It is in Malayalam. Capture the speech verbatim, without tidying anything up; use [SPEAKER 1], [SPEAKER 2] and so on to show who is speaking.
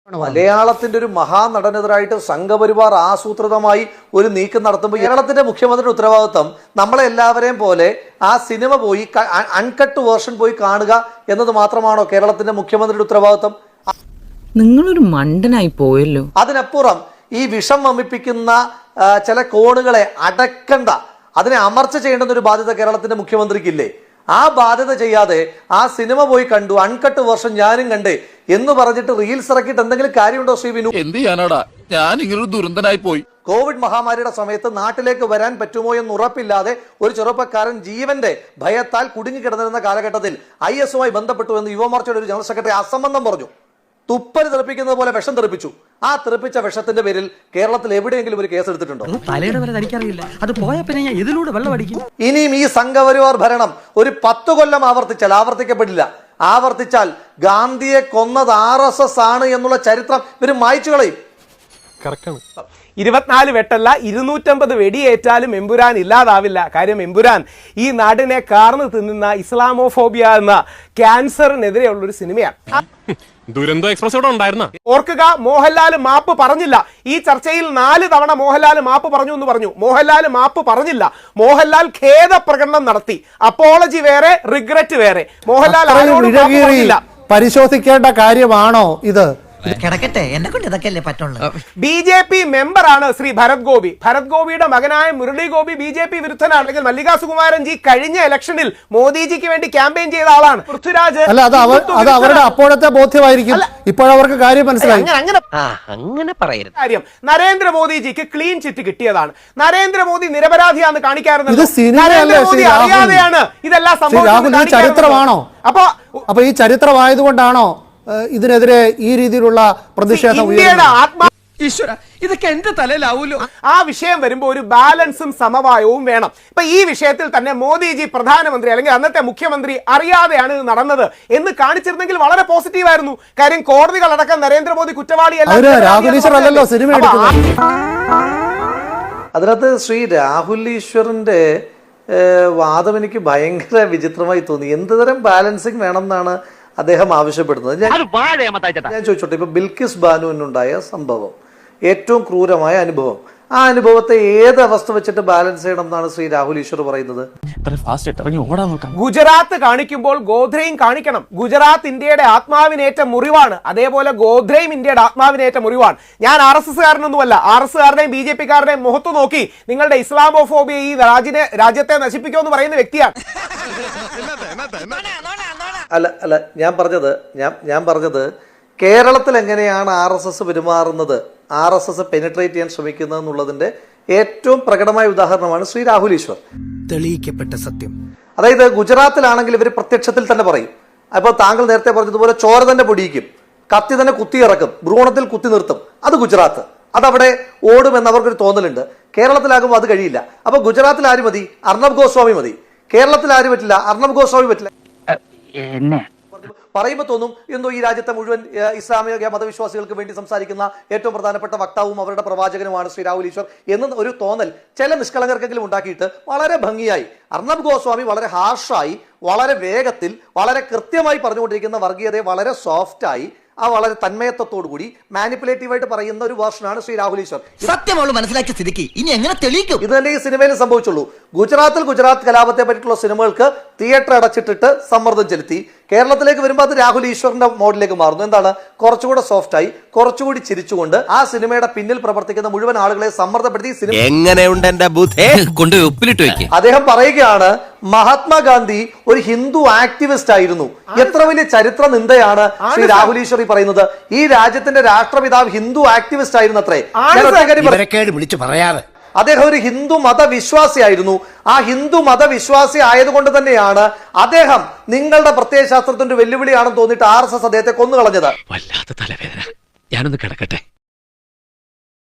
[SPEAKER 1] മലയാളത്തിന്റെ ഒരു മഹാനടനെതിരായിട്ട് സംഘപരിവാർ ആസൂത്രിതമായി ഒരു നീക്കം നടത്തുമ്പോൾ കേരളത്തിന്റെ മുഖ്യമന്ത്രിയുടെ ഉത്തരവാദിത്വം നമ്മളെ എല്ലാവരെയും പോലെ ആ സിനിമ പോയി അൺകട്ട് വേർഷൻ പോയി കാണുക എന്നത് മാത്രമാണോ കേരളത്തിന്റെ മുഖ്യമന്ത്രിയുടെ ഉത്തരവാദിത്വം?
[SPEAKER 2] നിങ്ങളൊരു മണ്ടനായി പോയല്ലോ.
[SPEAKER 1] അതിനപ്പുറം ഈ വിഷം വമിപ്പിക്കുന്ന ചില കോണുകളെ അടക്കണ്ട, അതിനെ അമർച്ച ചെയ്യേണ്ടുന്ന ഒരു ബാധ്യത കേരളത്തിന്റെ മുഖ്യമന്ത്രിക്കില്ലേ? ആ ബാധ്യത ചെയ്യാതെ ആ സിനിമ പോയി കണ്ടു, അൺകട്ട് വേർഷൻ ഞാനും കണ്ടേ എന്ന് പറഞ്ഞിട്ട് റീൽസ് ഇറക്കിയിട്ട് എന്തെങ്കിലും കാര്യമുണ്ടോ ശ്രീ വിനു?
[SPEAKER 3] എന്ത് ചെയ്യാനാടാ, ഞാൻ ഇങ്ങനൊരു ദുരന്തനായി പോയി.
[SPEAKER 1] കോവിഡ് മഹാമാരിയുടെ സമയത്ത് നാട്ടിലേക്ക് വരാൻ പറ്റുമോ എന്ന് ഉറപ്പില്ലാതെ ഒരു ചെറുപ്പക്കാരൻ ജീവന്റെ ഭയത്താൽ കുടുങ്ങിക്കിടന്നിരുന്ന കാലഘട്ടത്തിൽ ഐ എസുമായി ബന്ധപ്പെട്ടു എന്ന് യുവമോർച്ചയുടെ ഒരു ജനറൽ സെക്രട്ടറി അസംബന്ധം പറഞ്ഞു. തുപ്പല് തെറിപ്പിക്കുന്നത് പോലെ വിഷം തെറിപ്പിച്ചു. ആ തെറിപ്പിച്ച വിഷത്തിന്റെ പേരിൽ കേരളത്തിൽ എവിടെയെങ്കിലും ഒരു കേസ് എടുത്തിട്ടുണ്ടോ? ഇനിയും ഈ സംഘപരിവാർ ഭരണം ഒരു പത്ത് കൊല്ലം ആവർത്തിച്ചാൽ, ആവർത്തിക്കപ്പെടില്ല, ആവർത്തിച്ചാൽ ഗാന്ധിയെ കൊന്നത് ആർ എസ് എസ് ആണ് എന്നുള്ള ചരിത്രം ഇവർ മായ്ച്ചു കളയും.
[SPEAKER 4] ഇരുപത്തിനാല് വെട്ടല്ല ഇരുന്നൂറ്റമ്പത് വെടിയേറ്റാലും എമ്പുരാൻ ഇല്ലാതാവില്ല. കാര്യം എമ്പുരാൻ ഈ നാടിനെ കാർന്നു തിന്നുന്ന ഇസ്ലാമോഫോബിയ എന്ന ക്യാൻസറിനെതിരെയുള്ള ഒരു സിനിമയാണ്.
[SPEAKER 5] ദുരന്തോ എക്സ്പ്രസ് ഇവിടെ ഉണ്ടായിരുന്ന
[SPEAKER 4] ഓർക്കുക, മോഹൻലാൽ മാപ്പ് പറഞ്ഞില്ല. ഈ ചർച്ചയിൽ നാല് തവണ മോഹൻലാൽ മാപ്പ് പറഞ്ഞു എന്ന് പറഞ്ഞു. മോഹൻലാൽ മാപ്പ് പറഞ്ഞില്ല. മോഹൻലാൽ ഖേദ പ്രകടനം നടത്തി. അപ്പോളജി വേറെ, റിഗ്രറ്റ് വേറെ. മോഹൻലാൽ
[SPEAKER 6] പരിശോധിക്കേണ്ട കാര്യമാണോ ഇത്?
[SPEAKER 7] കിടക്കട്ടെ, എന്നെ കൊണ്ട് ഇതൊക്കെയല്ലേ പറ്റുള്ളൂ.
[SPEAKER 4] ബി ജെ പി മെമ്പറാണ് ശ്രീ ഭരത് ഗോപി. ഭരത് ഗോപിയുടെ മകനായ Murali Gopi B J P വിരുദ്ധനാണെങ്കിൽ മല്ലികാ സുകുമാരൻ ജി കഴിഞ്ഞ ഇലക്ഷനിൽ മോദിജിക്ക് വേണ്ടി ക്യാമ്പയിൻ ചെയ്ത ആളാണ്. പൃഥ്വിരാജ്
[SPEAKER 6] അല്ല, അത് അവരുടെ അപ്പോഴത്തെ ബോധ്യമായിരിക്കും. ഇപ്പോഴവർക്ക് കാര്യം മനസ്സിലായി.
[SPEAKER 7] അങ്ങനെ പറയരുത്.
[SPEAKER 4] കാര്യം നരേന്ദ്രമോദിജിക്ക് ക്ലീൻ ചിറ്റ് കിട്ടിയതാണ്. നരേന്ദ്രമോദി നിരപരാധിയാണെന്ന് കാണിക്കാറുണ്ട്.
[SPEAKER 6] നരേന്ദ്രമോദി
[SPEAKER 4] അറിയാതെയാണ് ഇതെല്ലാം സംഭവിച്ചത്.
[SPEAKER 6] ചരിത്രമാണോ? അപ്പൊ അപ്പൊ ഈ ചരിത്രമായതുകൊണ്ടാണോ ഇതിനെതിരെ ഈ രീതിയിലുള്ള പ്രതിഷേധം?
[SPEAKER 7] ഇതൊക്കെ എന്റെ തലയിലാവൂലോ.
[SPEAKER 4] ആ വിഷയം വരുമ്പോൾ ഒരു ബാലൻസും സമവായവും വേണം. ഇപ്പൊ ഈ വിഷയത്തിൽ തന്നെ മോദിജി പ്രധാനമന്ത്രി അല്ലെങ്കിൽ അന്നത്തെ മുഖ്യമന്ത്രി അറിയാതെയാണ് ഇത് നടന്നത് എന്ന് കാണിച്ചിരുന്നെങ്കിൽ വളരെ പോസിറ്റീവ് ആയിരുന്നു. കാര്യം കോടതികളടക്കം നരേന്ദ്രമോദി കുറ്റവാളിയല്ല.
[SPEAKER 1] അതിനകത്ത് ശ്രീ രാഹുൽ ഈശ്വറിന്റെ വാദം എനിക്ക് ഭയങ്കര വിചിത്രമായി തോന്നി. എന്ത് തരം ബാലൻസിങ് വേണം എന്നാണ് അദ്ദേഹം ആവശ്യപ്പെടുന്നത്? ഞാൻ ചോദിച്ചോട്ടെ, ഇപ്പൊ ബിൽക്കിസ് ബാനുവിനുണ്ടായ സംഭവം, ഏറ്റവും ക്രൂരമായ അനുഭവം, ആ അനുഭവത്തെ ഏത് അവസ്ഥ വെച്ചിട്ട് ബാലൻസ് ചെയ്യണം എന്നാണ് ശ്രീ രാഹുൽ ഈശ്വർ പറയുന്നത്?
[SPEAKER 4] ഗുജറാത്ത് കാണിക്കുമ്പോൾ ഗോദ്രയും കാണിക്കണം. ഗുജറാത്ത് ഇന്ത്യയുടെ ആത്മാവിനേറ്റ മുറിവാണ്, അതേപോലെ ഗോദ്രയും ഇന്ത്യയുടെ ആത്മാവിനേറ്റ മുറിവാണ്. ഞാൻ ആർ എസ് എസ് കാരനൊന്നുമല്ല. ആർ എസ് കാരുടെയും ബി ജെ പി കാരുടെയും മുഖത്ത് നോക്കി നിങ്ങളുടെ ഇസ്ലാമോഫോബിയ ഈ രാജ്യത്തെ രാജ്യത്തെ നശിപ്പിക്കുമെന്ന് പറയുന്ന വ്യക്തിയാണ്.
[SPEAKER 1] അല്ല അല്ല ഞാൻ പറഞ്ഞത് ഞാൻ ഞാൻ പറഞ്ഞത് കേരളത്തിൽ എങ്ങനെയാണ് ആർ എസ് എസ് പെരുമാറുന്നത്, ആർ എസ് എസ് പെനിട്രേറ്റ് ചെയ്യാൻ ശ്രമിക്കുന്നത് എന്നുള്ളതിന്റെ ഏറ്റവും പ്രകടമായ ഉദാഹരണമാണ് ശ്രീ രാഹുൽ ഈശ്വർ.
[SPEAKER 7] തെളിയിക്കപ്പെട്ട സത്യം.
[SPEAKER 1] അതായത് ഗുജറാത്തിലാണെങ്കിൽ ഇവർ പ്രത്യക്ഷത്തിൽ തന്നെ പറയും. അപ്പോൾ താങ്കൾ നേരത്തെ പറഞ്ഞതുപോലെ ചോര തന്നെ പൊടിയിക്കും, കത്തി തന്നെ കുത്തി ഇറക്കും, ഭ്രൂണത്തിൽ കുത്തി നിർത്തും. അത് ഗുജറാത്ത്, അതവിടെ ഓടുമെന്ന് അവർക്കൊരു തോന്നലുണ്ട്. കേരളത്തിലാകുമ്പോൾ അത് കഴിയില്ല. അപ്പൊ ഗുജറാത്തിൽ ആര് മതി? അർണബ് ഗോസ്വാമി മതി. കേരളത്തിൽ ആര് പറ്റില്ല? അർണബ് ഗോസ്വാമി പറ്റില്ല. പറയുമ്പോൾ തോന്നും എന്തോ ഈ രാജ്യത്തെ മുഴുവൻ ഇസ്ലാമിക മതവിശ്വാസികൾക്ക് വേണ്ടി സംസാരിക്കുന്ന ഏറ്റവും പ്രധാനപ്പെട്ട വക്താവും അവരുടെ പ്രവാചകനുമാണ് ശ്രീ രാഹുൽ ഈശ്വർ എന്ന ഒരു തോന്നൽ ചില നിഷ്കളങ്കർക്കെങ്കിലും ഉണ്ടാക്കിയിട്ട് വളരെ ഭംഗിയായി അർണബ് ഗോസ്വാമി വളരെ ഹാർഷായി, വളരെ വേഗത്തിൽ, വളരെ കൃത്യമായി പറഞ്ഞുകൊണ്ടിരിക്കുന്ന വർഗീയതയെ വളരെ സോഫ്റ്റായി, ആ വളരെ തന്മയത്വത്തോടു കൂടി മാനിപ്പുലേറ്റീവായിട്ട് പറയുന്ന ഒരു വേർഷനാണ് ശ്രീ രാഹുൽ ഈശ്വർ.
[SPEAKER 7] സത്യം മനസ്സിലാക്കിയ സ്ഥിതിക്ക് ഇനി എങ്ങനെ തെളിയിക്കും?
[SPEAKER 1] ഇത് തന്നെ ഈ സിനിമയിൽ സംഭവിച്ചുള്ളൂ. ഗുജറാത്തിൽ ഗുജറാത്ത് കലാപത്തെ പറ്റിയിട്ടുള്ള സിനിമകൾക്ക് തിയേറ്റർ അടച്ചിട്ടിട്ട് സമ്മർദ്ദം ചെലുത്തി. കേരളത്തിലേക്ക് വരുമ്പോൾ അത് രാഹുൽ ഈശ്വറിന്റെ മോഡിലേക്ക് മാറുന്നു. എന്താണ്? കുറച്ചുകൂടെ സോഫ്റ്റായി, കുറച്ചുകൂടി ചിരിച്ചുകൊണ്ട് ആ സിനിമയുടെ പിന്നിൽ പ്രവർത്തിക്കുന്ന മുഴുവൻ ആളുകളെ സമ്മർദ്ദപ്പെടുത്തി സിനിമ
[SPEAKER 8] എങ്ങനെയുണ്ട് എന്റെ ബുദ്ധി കൊണ്ട് ഉപ്പിലിട്ട് വെക്കും.
[SPEAKER 1] അദ്ദേഹം പറയുകയാണ് മഹാത്മാഗാന്ധി ഒരു ഹിന്ദു ആക്ടിവിസ്റ്റ് ആയിരുന്നു. എത്ര വലിയ ചരിത്ര നിന്ദയാണ് ശ്രീ രാഹുൽ ഈശ്വർ പറയുന്നത്. ഈ രാജ്യത്തിന്റെ രാഷ്ട്രപിതാവ് ഹിന്ദു ആക്ടിവിസ്റ്റ് ആയിരുന്നു അത്രേ.
[SPEAKER 7] വിളിച്ചു പറയാറ്
[SPEAKER 1] അദ്ദേഹം ഒരു ഹിന്ദു മതവിശ്വാസിയായിരുന്നു. ആ ഹിന്ദു മതവിശ്വാസി ആയതുകൊണ്ട് തന്നെയാണ് അദ്ദേഹം നിങ്ങളുടെ പ്രത്യയശാസ്ത്രത്തിന്റെ വെല്ലുവിളിയാണെന്ന് തോന്നിയിട്ട് ആർ എസ് എസ് അദ്ദേഹത്തെ കൊന്നുകളഞ്ഞത്.
[SPEAKER 8] വല്ലാത്ത തലവേദന, ഞാനൊന്ന് കിടക്കട്ടെ.